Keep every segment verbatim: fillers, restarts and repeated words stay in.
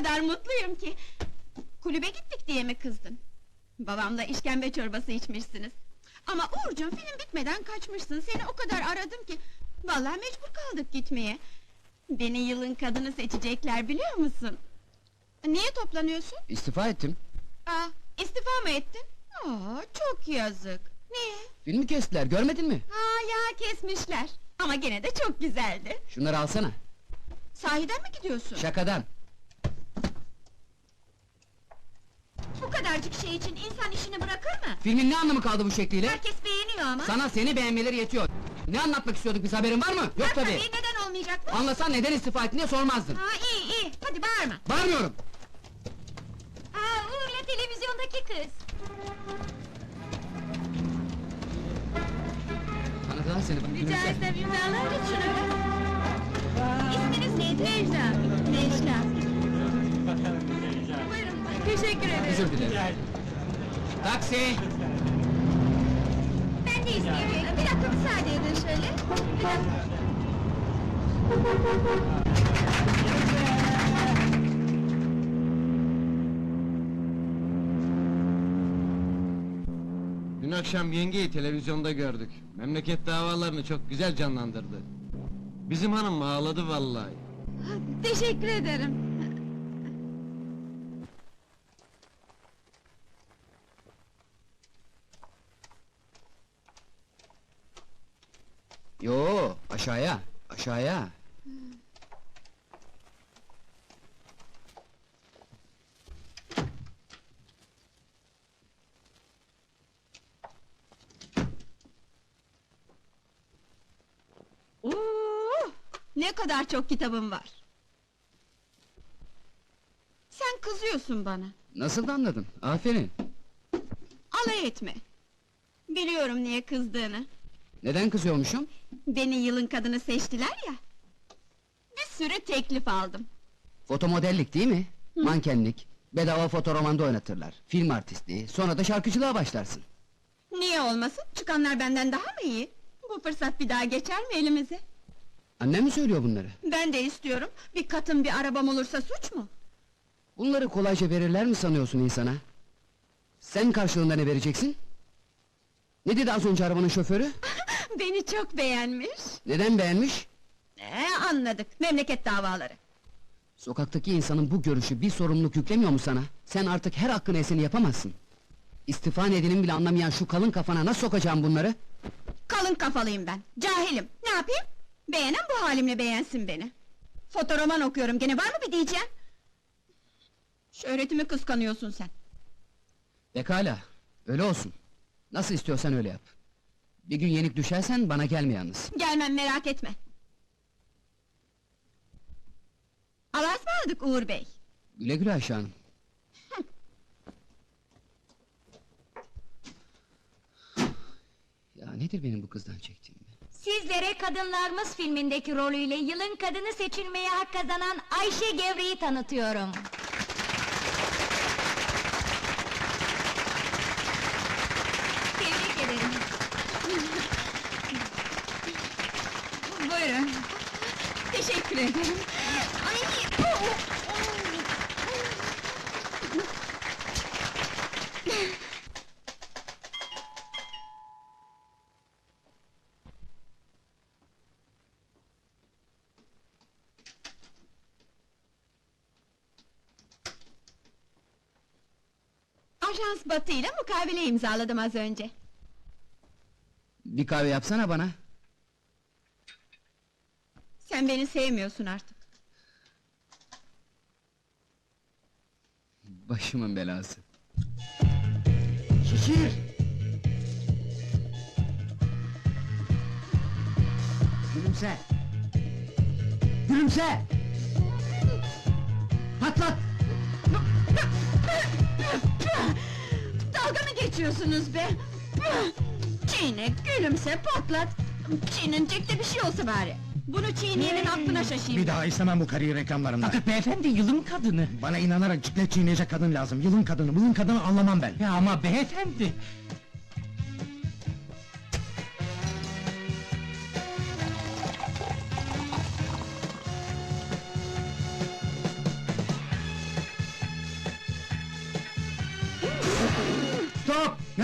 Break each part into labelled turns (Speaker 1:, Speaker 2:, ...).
Speaker 1: kadar mutluyum ki! Kulübe gittik diye mi kızdın? Babamla işkembe çorbası içmişsiniz. Ama Uğurcuğum, film bitmeden kaçmışsın, seni o kadar aradım ki... Vallahi mecbur kaldık gitmeye. Beni yılın kadını seçecekler, biliyor musun? Niye toplanıyorsun?
Speaker 2: İstifa ettim.
Speaker 1: Aa, istifa mı ettin? Aa, çok yazık. Niye?
Speaker 2: Filmi kestiler, görmedin mi?
Speaker 1: Ha ya, kesmişler. Ama gene de çok güzeldi.
Speaker 2: Şunları alsana.
Speaker 1: Sahiden mi gidiyorsun?
Speaker 2: Şakadan.
Speaker 1: Bu kadarcık şey için insan işini bırakır mı?
Speaker 2: Filmin ne anlamı kaldı bu şekliyle?
Speaker 1: Herkes beğeniyor ama.
Speaker 2: Sana seni beğenmeleri yetiyor. Ne anlatmak istiyorduk biz, haberin var mı? Yok
Speaker 1: Var
Speaker 2: tabii.
Speaker 1: tabii, neden olmayacak mı?
Speaker 2: Anlasan neden istifa ettin diye sormazdın.
Speaker 1: Ha, iyi iyi, hadi bağırma.
Speaker 2: Bağırmıyorum.
Speaker 1: Aa, Uğur'la televizyondaki kız.
Speaker 2: Tanıdılar seni bak.
Speaker 1: Rica
Speaker 2: gülümse.
Speaker 1: etsem imzalar mısın şunu? İsminiz neydi? Necla. Necla. Buyurun, teşekkür ederim.
Speaker 2: Özür dilerim. Taksi!
Speaker 1: Ben de istiyorum. Bir dakika müsaade edin şöyle. Bir dakika.
Speaker 3: Dün akşam yengeyi televizyonda gördük. Memleket davalarını çok güzel canlandırdı. Bizim hanım ağladı vallahi.
Speaker 1: Teşekkür ederim.
Speaker 2: Yo, aşağıya, aşağıya.
Speaker 1: Oo, ne kadar çok kitabım var. Sen kızıyorsun bana.
Speaker 2: Nasıl da anladın? Aferin.
Speaker 1: Alay etme. Biliyorum niye kızdığını.
Speaker 2: Neden kızıyormuşum?
Speaker 1: Beni yılın kadını seçtiler ya. Bir sürü teklif aldım.
Speaker 2: Fotomodellik değil mi? Mankenlik, bedava fotoromanda oynatırlar. Film artistliği, sonra da şarkıcılığa başlarsın.
Speaker 1: Niye olmasın? Çıkanlar benden daha mı iyi? Bu fırsat bir daha geçer mi elimize?
Speaker 2: Annem mi söylüyor bunları?
Speaker 1: Ben de istiyorum. Bir katım bir arabam olursa suç mu?
Speaker 2: Bunları kolayca verirler mi sanıyorsun insana? Sen karşılığında ne vereceksin? Ne dedi az önce arabanın şoförü?
Speaker 1: Beni çok beğenmiş.
Speaker 2: Neden beğenmiş?
Speaker 1: Ee, anladık. Memleket davaları.
Speaker 2: Sokaktaki insanın bu görüşü bir sorumluluk yüklemiyor mu sana? Sen artık her hakkın eseni yapamazsın. İstifa nedenini bile anlamayan şu kalın kafana nasıl sokacağım bunları?
Speaker 1: Kalın kafalıyım ben. Cahilim. Ne yapayım? Beğenen bu halimle beğensin beni. Fotoroman okuyorum. Gene var mı bir diyeceğim? Şöhretimi kıskanıyorsun sen.
Speaker 2: Pekala, öyle olsun. Nasıl istiyorsan öyle yap. Bir gün yenik düşersen bana gelme yalnız.
Speaker 1: Gelmem, merak etme. Allah'a ısmarladık Uğur Bey.
Speaker 2: Güle güle Ayşe Hanım. Ya nedir benim bu kızdan çektiğim?
Speaker 4: Sizlere Kadınlarımız filmindeki rolüyle yılın kadını seçilmeye hak kazanan Ayşe Gevre'yi tanıtıyorum. Tebrik ederim.
Speaker 1: Buyurun. Teşekkür ederim. Ay, oh, Ajans Batı ile mukavele imzaladım az önce.
Speaker 2: Bir kahve yapsana bana.
Speaker 1: Sen beni sevmiyorsun artık.
Speaker 2: Başımın belası. Şişir! Gülümse! Gülümse! Patlat!
Speaker 1: Dalga mı geçiyorsunuz be? Çiğne, gülümse, patlat! Çiğnenecek de bir şey olsa bari! Bunu çiğneyenin aklına şaşayım!
Speaker 5: Bir daha istemem bu kariyer reklamlarında.
Speaker 6: Fakat beyefendi yılın kadını.
Speaker 5: Bana inanarak ciklet çiğneyecek kadın lazım. Yılın kadını, yılın kadını anlamam ben.
Speaker 6: Ya ama beyefendi.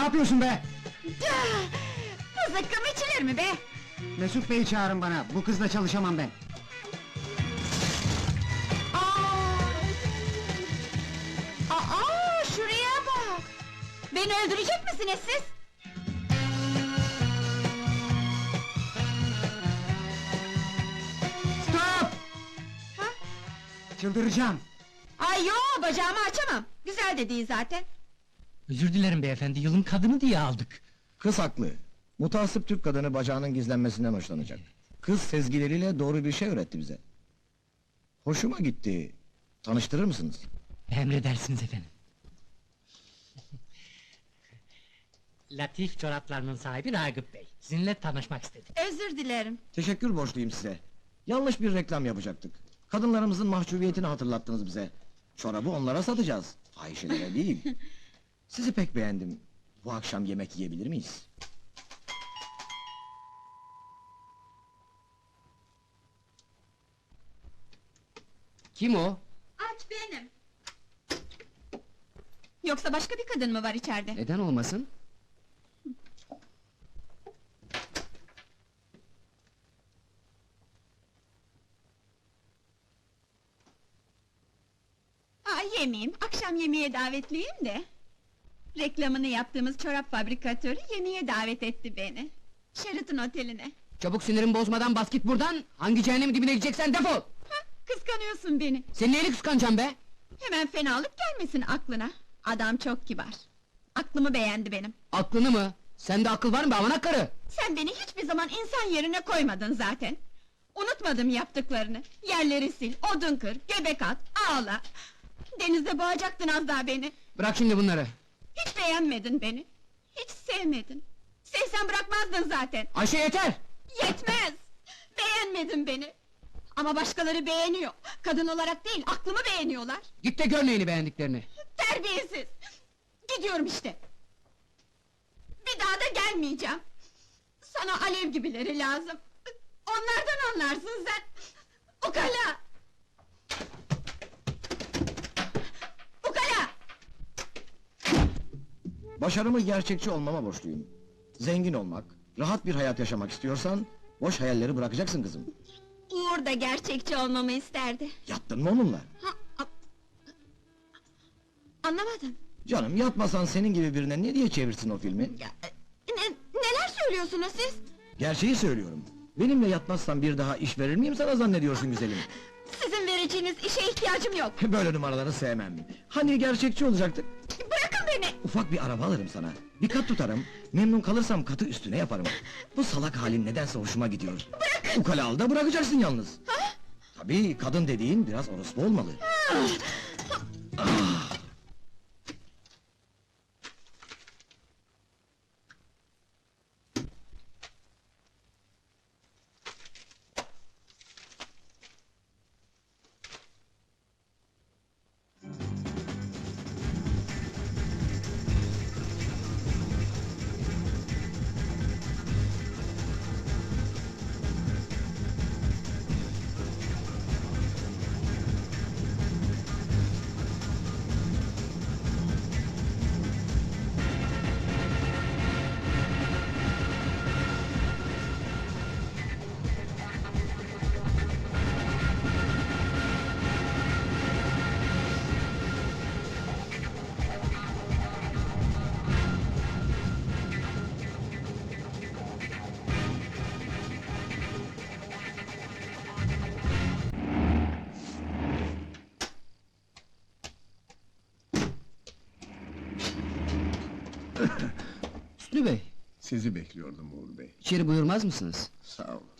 Speaker 5: yapıyorsun be?
Speaker 1: Bu zıkkım içilir mi be?
Speaker 5: Mesut Bey'i çağırın bana, bu kızla çalışamam ben.
Speaker 1: Aa! Aa, şuraya bak! Beni öldürecek misiniz siz?
Speaker 5: Stop!
Speaker 1: Ha?
Speaker 5: Çıldıracağım!
Speaker 1: Ay yo, bacağımı açamam. Güzel de değil zaten.
Speaker 6: Özür dilerim beyefendi, yılın kadını diye aldık.
Speaker 7: Kız haklı. Mutasip Türk kadını bacağının gizlenmesinden hoşlanacak. Kız sezgileriyle doğru bir şey öğretti bize. Hoşuma gitti. Tanıştırır mısınız?
Speaker 6: Emredersiniz efendim. Latif çoraplarının sahibi Ragıp Bey. Sizinle tanışmak istedi.
Speaker 1: Özür dilerim.
Speaker 7: Teşekkür borçluyum size. Yanlış bir reklam yapacaktık. Kadınlarımızın mahcubiyetini hatırlattınız bize. Çorabı onlara satacağız. Fahişelere değil. Sizi pek beğendim. Bu akşam yemek yiyebilir miyiz?
Speaker 2: Kim o?
Speaker 1: Aç benim. Yoksa başka bir kadın mı var içeride?
Speaker 2: Neden olmasın?
Speaker 1: Aa, yemeyeyim, akşam yemeğe davetliyim de. Reklamını yaptığımız çorap fabrikatörü yemeğe davet etti beni. Sheraton oteline.
Speaker 2: Çabuk sinirimi bozmadan bas git buradan! Hangi cehennemin dibine gideceksen defol!
Speaker 1: Ha, kıskanıyorsun beni.
Speaker 2: Senin neyini kıskanacağım be?
Speaker 1: Hemen fenalık gelmesin aklına. Adam çok kibar. Aklımı beğendi benim.
Speaker 2: Aklını mı? Sende akıl var mı be avanak karı?
Speaker 1: Sen beni hiçbir zaman insan yerine koymadın zaten. Unutmadım yaptıklarını. Yerleri sil, odun kır, göbek at, ağla. Denizde boğacaktın az daha beni.
Speaker 2: Bırak şimdi bunları!
Speaker 1: Hiç beğenmedin beni. Hiç sevmedin. Sevsen bırakmazdın zaten.
Speaker 2: Ayşe yeter!
Speaker 1: Yetmez! Beğenmedin beni. Ama başkaları beğeniyor. Kadın olarak değil, aklımı beğeniyorlar.
Speaker 2: Git de gör neyini beğendiklerini!
Speaker 1: Terbiyesiz! Gidiyorum işte. Bir daha da gelmeyeceğim. Sana alev gibileri lazım. Onlardan anlarsın sen. Ukala! Ukala!
Speaker 7: Başarımı gerçekçi olmama borçluyum. Zengin olmak, rahat bir hayat yaşamak istiyorsan... ...boş hayalleri bırakacaksın kızım.
Speaker 1: Uğur da gerçekçi olmamı isterdi.
Speaker 7: Yattın mı onunla?
Speaker 1: Ha, a- Anlamadım.
Speaker 7: Canım yatmasan senin gibi birine ne diye çevirsin o filmi?
Speaker 1: Ya, ne, neler söylüyorsunuz siz?
Speaker 7: Gerçeği söylüyorum. Benimle yatmazsan bir daha iş verir miyim sana zannediyorsun güzelim?
Speaker 1: Sizin vereceğiniz işe ihtiyacım yok.
Speaker 7: Böyle numaraları sevmem. Hani gerçekçi olacaktık?
Speaker 1: Bırakın beni!
Speaker 7: Ufak bir araba alırım sana. Bir kat tutarım. Memnun kalırsam katı üstüne yaparım. Bu salak halin nedense hoşuma gidiyor. Bırakın! Ukala al da bırakacaksın yalnız.
Speaker 1: Ha?
Speaker 7: Tabii kadın dediğin biraz orospu olmalı. Ah!
Speaker 2: Hüsnü Bey,
Speaker 8: Sizi bekliyordum Uğur Bey.
Speaker 2: içeri buyurmaz mısınız?
Speaker 8: Sağ olun.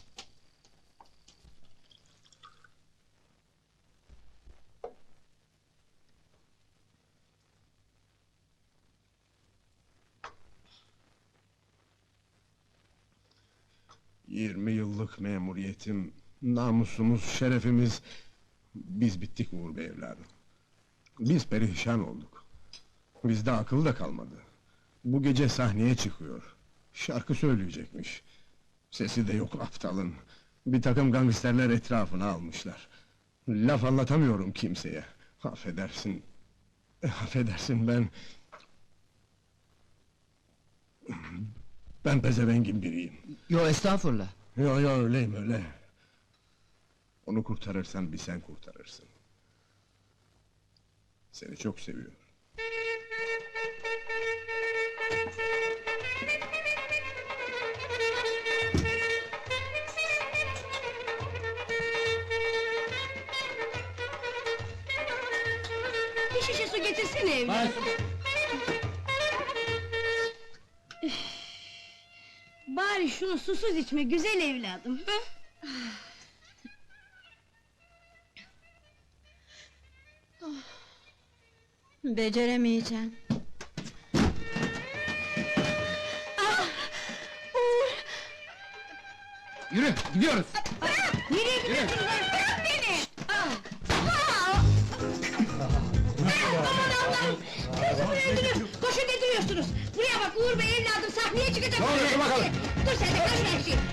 Speaker 8: Yirmi yıllık memuriyetim, namusumuz, şerefimiz... Biz bittik Uğur Bey evladım. Biz perişan olduk. Bizde akıl da kalmadı. Bu gece sahneye çıkıyor. Şarkı söyleyecekmiş. Sesi de yok aptalın. Bir takım gangsterler etrafına almışlar. Laf anlatamıyorum kimseye. Affedersin. Affedersin ben... Ben pezevengin biriyim.
Speaker 2: Yo estağfurullah.
Speaker 8: Yo yo öyleyim öyle. Onu kurtarırsan bir sen kurtarırsın. Seni çok seviyor.
Speaker 4: Bir şişe su getirsene evladım. Üf! Bari şunu susuz içme güzel evladım. Hı?
Speaker 1: Beceremeyeceğim.
Speaker 2: Yürü, gidiyoruz.
Speaker 4: Nereye gidiyorsun lan? Bırak beni! Kızımı öldürün! Koşun ne duruyorsunuz? Buraya bak Uğur Bey evladım sahneye çıkacak!
Speaker 8: Ne oluyor bakalım?
Speaker 4: Dur sen de kaç her şey!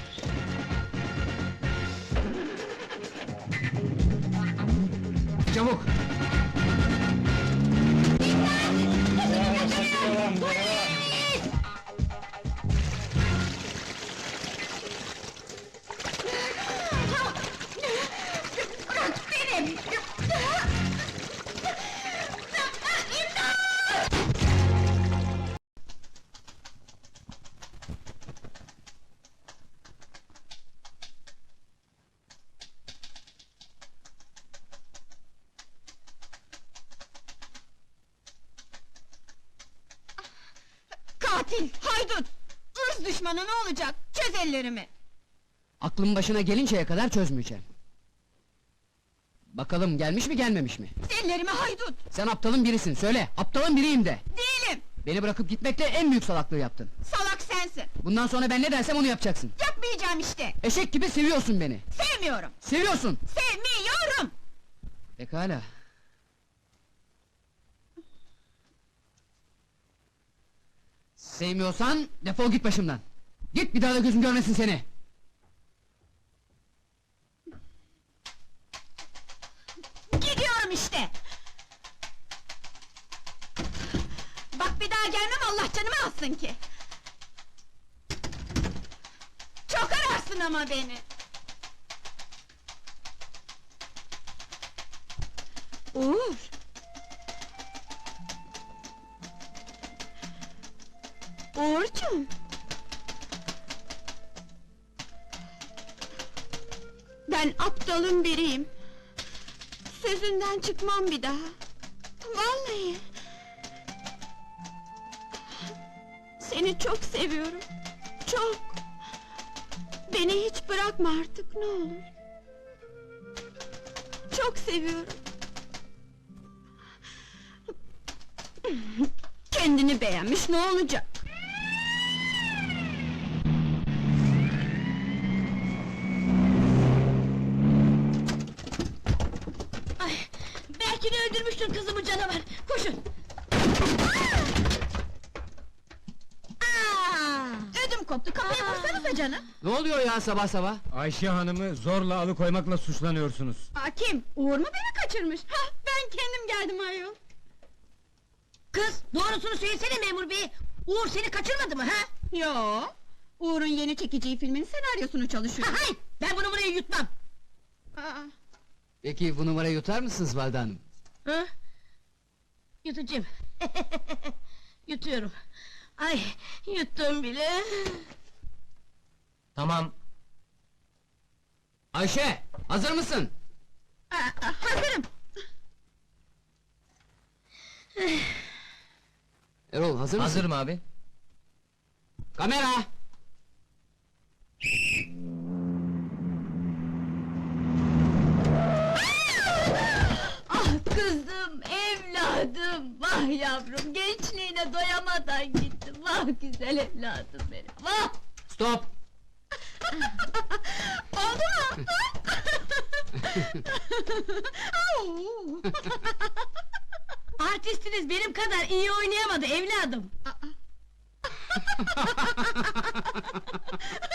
Speaker 2: Çabuk.
Speaker 4: Bırak beni!
Speaker 1: Katil, haydut! Irz düşmanı ne olacak? Çöz ellerimi!
Speaker 2: Aklım başına gelinceye kadar çözmeyeceğim. Bakalım gelmiş mi gelmemiş mi?
Speaker 1: Ellerimi haydut!
Speaker 2: Sen aptalın birisin, söyle! Aptalın biriyim de!
Speaker 1: Değilim!
Speaker 2: Beni bırakıp gitmekle en büyük salaklığı yaptın.
Speaker 1: Salak sensin!
Speaker 2: Bundan sonra ben ne dersem onu yapacaksın.
Speaker 1: Yapmayacağım işte!
Speaker 2: Eşek gibi seviyorsun beni.
Speaker 1: Sevmiyorum!
Speaker 2: Seviyorsun!
Speaker 1: Sevmiyorum!
Speaker 2: Pekala. Sevmiyorsan defol git başımdan. Git, bir daha da gözüm görmesin seni.
Speaker 1: Gidiyorum işte! Bak bir daha gelmem Allah canımı alsın ki! Çok ararsın ama beni! Uğur! Uğurcuğum! Ben aptalın biriyim. Sözünden çıkmam bir daha. Vallahi! Seni çok seviyorum. Çok! Beni hiç bırakma artık ne olur. Çok seviyorum. Kendini beğenmiş ne olacak?
Speaker 4: Ay, belki de öldürmüştür kızımı canavar! Koşun! Aa!
Speaker 1: Ödüm koptu, kapıyı
Speaker 4: Aa!
Speaker 1: vursanıza canım!
Speaker 2: Ne oluyor ya sabah sabah?
Speaker 5: Ayşe Hanım'ı zorla alıkoymakla suçlanıyorsunuz.
Speaker 1: Aa, kim? Uğur mu beni kaçırmış? Ha, ben kendim geldim ayol!
Speaker 4: Kız, doğrusunu söylesene memur bey! Uğur seni kaçırmadı mı ha?
Speaker 1: Yo! Uğur'un yeni çekeceği filmin senaryosunu çalışıyor.
Speaker 4: Ha hay! Ben bunu buraya yutmam!
Speaker 1: Aa,
Speaker 2: Peki bu numarayı yutar mısınız Valide Hanım?
Speaker 4: Ha? Yutacağım. Yutuyorum. Ay, yuttum bile.
Speaker 2: Tamam. Ayşe, hazır mısın?
Speaker 1: aa, aa, hazırım!
Speaker 2: Erol, hazır mısın?
Speaker 6: Hazırım abi.
Speaker 2: Kamera!
Speaker 4: Ah kızım, evladım, vah yavrum, gençliğine doyamadan gittim. Vah güzel evladım benim, vah!
Speaker 2: Stop!
Speaker 1: Oldu mu? Au!
Speaker 4: Artistiniz benim kadar iyi oynayamadı evladım.